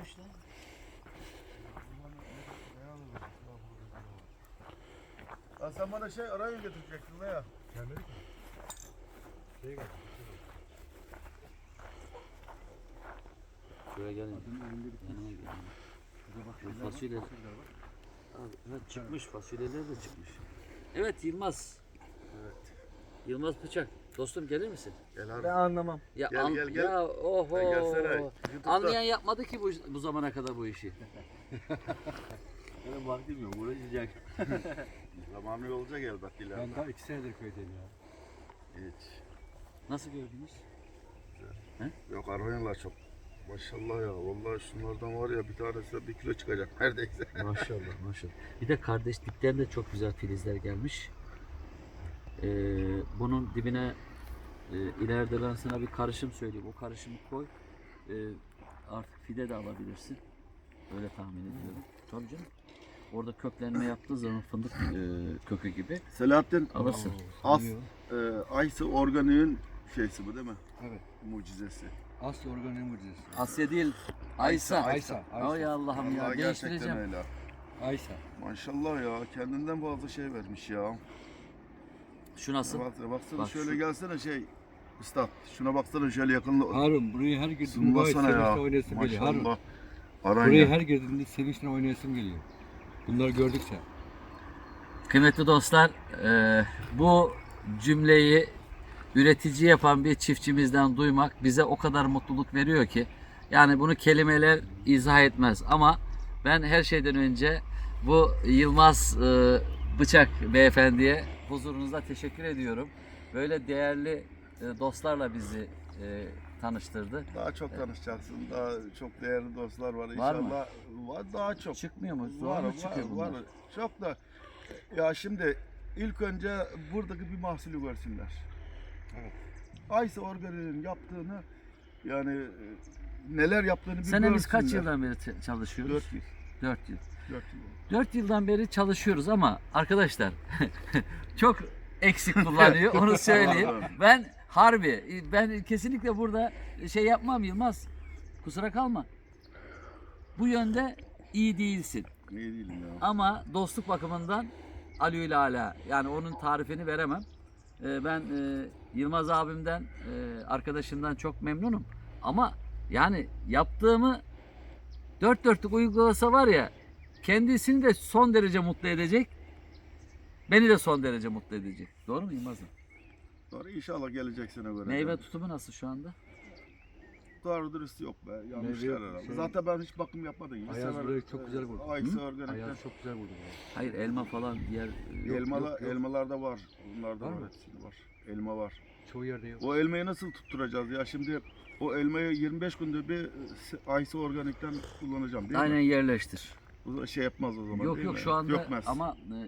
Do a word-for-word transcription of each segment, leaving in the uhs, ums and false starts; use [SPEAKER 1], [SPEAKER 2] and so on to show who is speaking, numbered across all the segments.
[SPEAKER 1] işte.
[SPEAKER 2] Ha sen bana şey arayı getirecektin veya?
[SPEAKER 3] Gelmedik mi? Şeye geldik.
[SPEAKER 1] Şuraya gelin. Yanıma gelin. Bu fasulye. Abi, evet, çıkmış, fasulyeler de çıkmış. Evet Yılmaz.
[SPEAKER 2] Evet.
[SPEAKER 1] Yılmaz Bıçak. Dostum gelir misin?
[SPEAKER 2] Gel abi.
[SPEAKER 3] Ben anlamam.
[SPEAKER 1] Ya
[SPEAKER 2] Gel,
[SPEAKER 1] an-
[SPEAKER 2] gel, gel.
[SPEAKER 1] Ya oho.
[SPEAKER 2] Sen gelsene. YouTube'da.
[SPEAKER 1] Anlayan yapmadı ki bu, bu zamana kadar bu işi.
[SPEAKER 4] Benim vaktim yok, uğraşacak.
[SPEAKER 2] Zamanı olacak elbet ileride.
[SPEAKER 3] Ben daha iki senedir köydeyim ya.
[SPEAKER 2] Hiç.
[SPEAKER 1] Nasıl gördünüz?
[SPEAKER 2] Yok arayınlar çok. Maşallah ya. Vallahi şunlardan var ya bir tanesi de bir kilo çıkacak neredeyse.
[SPEAKER 1] Maşallah maşallah. Bir de kardeşlikten de çok güzel filizler gelmiş. Ee, bunun dibine e, ileride ben sana bir karışım söyleyeyim. O karışımı koy. Ee, artık fide de alabilirsin. Öyle tahmin ediyorum. Tabii canım. Orada köklenme yaptığı zaman fındık e, kökü gibi
[SPEAKER 2] Selahattin
[SPEAKER 1] alırsın.
[SPEAKER 2] As e, Aysı Organik'in şeysi bu değil mi?
[SPEAKER 3] Evet.
[SPEAKER 2] Mucizesi.
[SPEAKER 3] Asya organik mucizesi.
[SPEAKER 1] Asya değil. Aysa.
[SPEAKER 3] Aysa. Aysa.
[SPEAKER 1] Ay Allah'ım ya.
[SPEAKER 2] Vallahi gerçekten
[SPEAKER 1] Değiştireceğim.
[SPEAKER 2] öyle.
[SPEAKER 3] Aysa.
[SPEAKER 2] Maşallah ya kendinden fazla şey vermiş ya.
[SPEAKER 1] Şu nasıl?
[SPEAKER 2] Bak, baksana
[SPEAKER 1] Bak
[SPEAKER 2] şöyle
[SPEAKER 1] şu-
[SPEAKER 2] gelsene şey. Üstad şuna baksana şöyle yakınla.
[SPEAKER 3] Harun burayı her girdiğinde vay
[SPEAKER 2] Zoomlasana ya.
[SPEAKER 3] sevinçle oynayasım geliyor. Harun
[SPEAKER 2] Maşallah. Aran
[SPEAKER 3] burayı
[SPEAKER 2] ya.
[SPEAKER 3] her girdiğinde sevinçle oynayasım geliyor. Bunları gördükçe.
[SPEAKER 1] Kıymetli dostlar, e, bu cümleyi üretici yapan bir çiftçimizden duymak bize o kadar mutluluk veriyor ki, yani bunu kelimeler izah etmez. Ama ben her şeyden önce bu Yılmaz e, Bıçak beyefendiye huzurunuzda teşekkür ediyorum. Böyle değerli e, dostlarla bizi e, tanıştırdı.
[SPEAKER 2] Daha çok tanışacaksın. Daha çok değerli dostlar var.
[SPEAKER 1] Var mı?
[SPEAKER 2] İnşallah var daha çok.
[SPEAKER 1] Çıkmıyor mu? Zor
[SPEAKER 2] Var,
[SPEAKER 1] mu
[SPEAKER 2] var,
[SPEAKER 1] çıkıyor bunlar?
[SPEAKER 2] var. Çok da ya şimdi ilk önce buradaki bir mahsulü görsünler.
[SPEAKER 3] Evet.
[SPEAKER 2] Aysa Organik'in yaptığını yani e, neler yaptığını bir
[SPEAKER 1] Senemiz
[SPEAKER 2] görsünler.
[SPEAKER 1] kaç yıldan beri ç- çalışıyoruz?
[SPEAKER 2] Dört yıl.
[SPEAKER 1] Dört yıl.
[SPEAKER 2] Dört yıl.
[SPEAKER 1] dört yıldan beri çalışıyoruz ama arkadaşlar çok eksik kullanıyor, onu söyleyeyim. Ben harbi, ben kesinlikle burada şey yapmam Yılmaz, kusura kalma. Bu yönde iyi değilsin
[SPEAKER 2] İyi değilim ya.
[SPEAKER 1] ama dostluk bakımından alü ala, yani onun tarifini veremem. Ee, Ben e, Yılmaz abimden, e, arkadaşımdan çok memnunum ama yani yaptığımı dört dörtlük uygulasa var ya, kendisini de son derece mutlu edecek, beni de son derece mutlu edecek. Doğru mu Yılmaz'ım?
[SPEAKER 2] Sonra inşallah gelecek sene göre.
[SPEAKER 1] Meyve tutumu nasıl şu anda?
[SPEAKER 2] Doğru dürüst yok be. Yanlış
[SPEAKER 3] Meyve-
[SPEAKER 2] herhalde.
[SPEAKER 3] şey-
[SPEAKER 2] Zaten ben hiç bakım yapmadım. Bir
[SPEAKER 3] Ayaz
[SPEAKER 2] sefer,
[SPEAKER 3] burayı çok güzel vurdu.
[SPEAKER 2] Aysa
[SPEAKER 1] Hı?
[SPEAKER 2] Organik'ten.
[SPEAKER 3] Ayaz çok güzel vurdu burayı.
[SPEAKER 1] Hayır, elma falan diğer
[SPEAKER 3] Yok,
[SPEAKER 2] Elmalı,
[SPEAKER 3] yok, yok.
[SPEAKER 2] elmalarda var. Bunlarda
[SPEAKER 3] Var
[SPEAKER 2] var.
[SPEAKER 3] mı?
[SPEAKER 2] hepsinde var. Elma var.
[SPEAKER 3] Çoğu yerde yok.
[SPEAKER 2] O elmayı nasıl tutturacağız ya? Şimdi o elmayı yirmi beş günde bir Aysa Organik'ten kullanacağım değil
[SPEAKER 1] aynen
[SPEAKER 2] mi?
[SPEAKER 1] yerleştir.
[SPEAKER 2] O da şey yapmaz o zaman
[SPEAKER 1] Yok
[SPEAKER 2] değil
[SPEAKER 1] yok
[SPEAKER 2] mi?
[SPEAKER 1] şu anda
[SPEAKER 2] Dökmez.
[SPEAKER 1] ama e,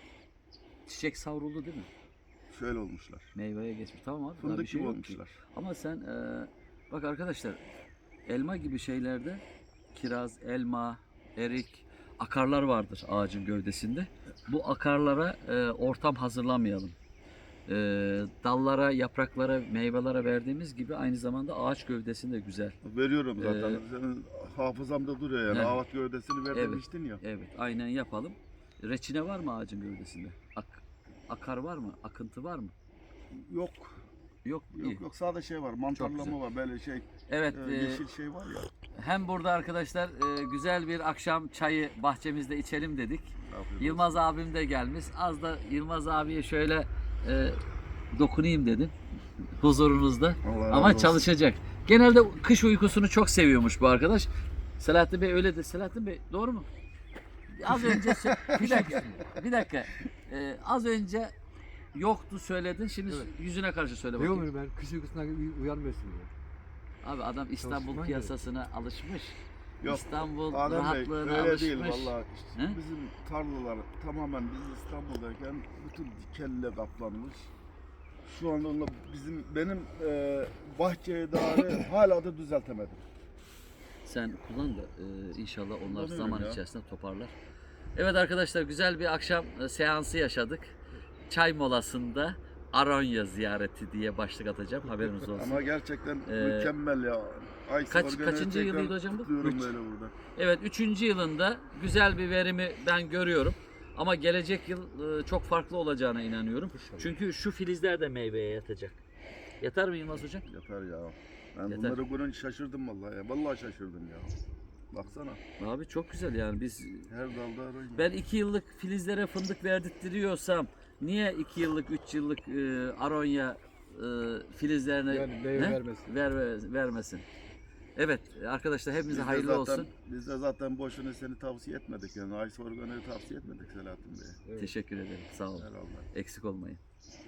[SPEAKER 1] çiçek savruldu değil mi?
[SPEAKER 2] Şöyle olmuşlar.
[SPEAKER 1] Meyveye geçmiş. Tamam abi. daha
[SPEAKER 2] Fındık
[SPEAKER 1] bir şey
[SPEAKER 2] gibi
[SPEAKER 1] yok ki.
[SPEAKER 2] olmuşlar.
[SPEAKER 1] Ama sen e, bak arkadaşlar, elma gibi şeylerde kiraz, elma, erik, akarlar vardır ağacın gövdesinde. Bu akarlara e, ortam hazırlamayalım. E, dallara, yapraklara, meyvelere verdiğimiz gibi aynı zamanda ağaç gövdesinde güzel.
[SPEAKER 2] Veriyorum zaten.
[SPEAKER 1] Ee,
[SPEAKER 2] Senin hafızamda duruyor yani.
[SPEAKER 1] Evet.
[SPEAKER 2] Avat gövdesini ver
[SPEAKER 1] Evet.
[SPEAKER 2] demiştin ya.
[SPEAKER 1] Evet, aynen yapalım. Reçine var mı ağacın gövdesinde? Ak, akar var mı? Akıntı var mı?
[SPEAKER 2] Yok.
[SPEAKER 1] Yok. iyi.
[SPEAKER 2] Yok yok sadece şey var. Mantarlama var. Böyle şey
[SPEAKER 1] Evet,
[SPEAKER 2] e,
[SPEAKER 1] e,
[SPEAKER 2] yeşil şey var ya.
[SPEAKER 1] hem burada arkadaşlar e, güzel bir akşam çayı bahçemizde içelim dedik.
[SPEAKER 2] Afiyet
[SPEAKER 1] Yılmaz abim de gelmiş. Az da Yılmaz abiye şöyle e, dokunayım dedim huzurunuzda.
[SPEAKER 2] Allah razı
[SPEAKER 1] Ama
[SPEAKER 2] olsun.
[SPEAKER 1] çalışacak. Genelde kış uykusunu çok seviyormuş bu arkadaş. Selahattin Bey öyle de. Selahattin Bey doğru mu? Az önce sö- bir dakika. Bir dakika. E, az önce yoktu söyledin. Şimdi
[SPEAKER 3] Evet.
[SPEAKER 1] yüzüne karşı söyle
[SPEAKER 3] Ne
[SPEAKER 1] bakayım.
[SPEAKER 3] olur ben kış uykusundan uy- uyanmıyorsun diyor.
[SPEAKER 1] Abi adam İstanbul
[SPEAKER 3] Çalışman
[SPEAKER 1] piyasasına alışmış.
[SPEAKER 2] Yok,
[SPEAKER 1] İstanbul
[SPEAKER 2] Adem Bey
[SPEAKER 1] rahatlığına
[SPEAKER 2] öyle
[SPEAKER 1] alışmış.
[SPEAKER 2] değil vallahi. İşte
[SPEAKER 1] He?
[SPEAKER 2] bizim tarlalar tamamen biz İstanbul'dayken bütün dikenle kaplanmış. Şu anda onunla bizim benim e, bahçeye dair hala da düzeltemedim.
[SPEAKER 1] Sen kullan da e, inşallah onlar
[SPEAKER 2] Kullanıyorum
[SPEAKER 1] zaman
[SPEAKER 2] ya.
[SPEAKER 1] içerisinde toparlar. Evet arkadaşlar, güzel bir akşam e, seansı yaşadık. Çay molasında Aronya ziyareti diye başlık atacağım, haberiniz olsun.
[SPEAKER 2] Ama gerçekten
[SPEAKER 1] Ee,
[SPEAKER 2] mükemmel ya. Ay
[SPEAKER 1] Kaç-
[SPEAKER 2] Sorgan'ı
[SPEAKER 1] kaçıncı
[SPEAKER 2] tekrar
[SPEAKER 1] yılıydı hocam bu?
[SPEAKER 2] kutluyorum
[SPEAKER 1] Üç.
[SPEAKER 2] böyle burada.
[SPEAKER 1] Evet, üçüncü yılında güzel bir verimi ben görüyorum. Ama gelecek yıl e, çok farklı olacağına inanıyorum. Çünkü şu filizler de meyveye yatacak. Yatar mı Yılmaz hocam?
[SPEAKER 2] Yeter ya. Ben
[SPEAKER 1] Yeter.
[SPEAKER 2] bunları görünce şaşırdım vallahi ya. Vallahi şaşırdım ya. Baksana.
[SPEAKER 1] Abi çok güzel yani biz
[SPEAKER 2] Her dalda arayın.
[SPEAKER 1] ben iki yıllık filizlere fındık verdirtiyorsam niye iki yıllık, üç yıllık e, aronya e, filizlerine
[SPEAKER 3] Yani meyve
[SPEAKER 1] ne?
[SPEAKER 3] vermesin.
[SPEAKER 1] Ver, ver- vermesin. Evet arkadaşlar hepimize
[SPEAKER 2] Biz de
[SPEAKER 1] hayırlı
[SPEAKER 2] zaten,
[SPEAKER 1] olsun.
[SPEAKER 2] Biz de zaten boşuna seni tavsiye etmedik yani. Ay Sorgan'ı tavsiye etmedik Selahattin Bey'e.
[SPEAKER 3] Evet.
[SPEAKER 1] Teşekkür ederim. Sağ olun.
[SPEAKER 2] Herhalde.
[SPEAKER 1] Eksik olmayın.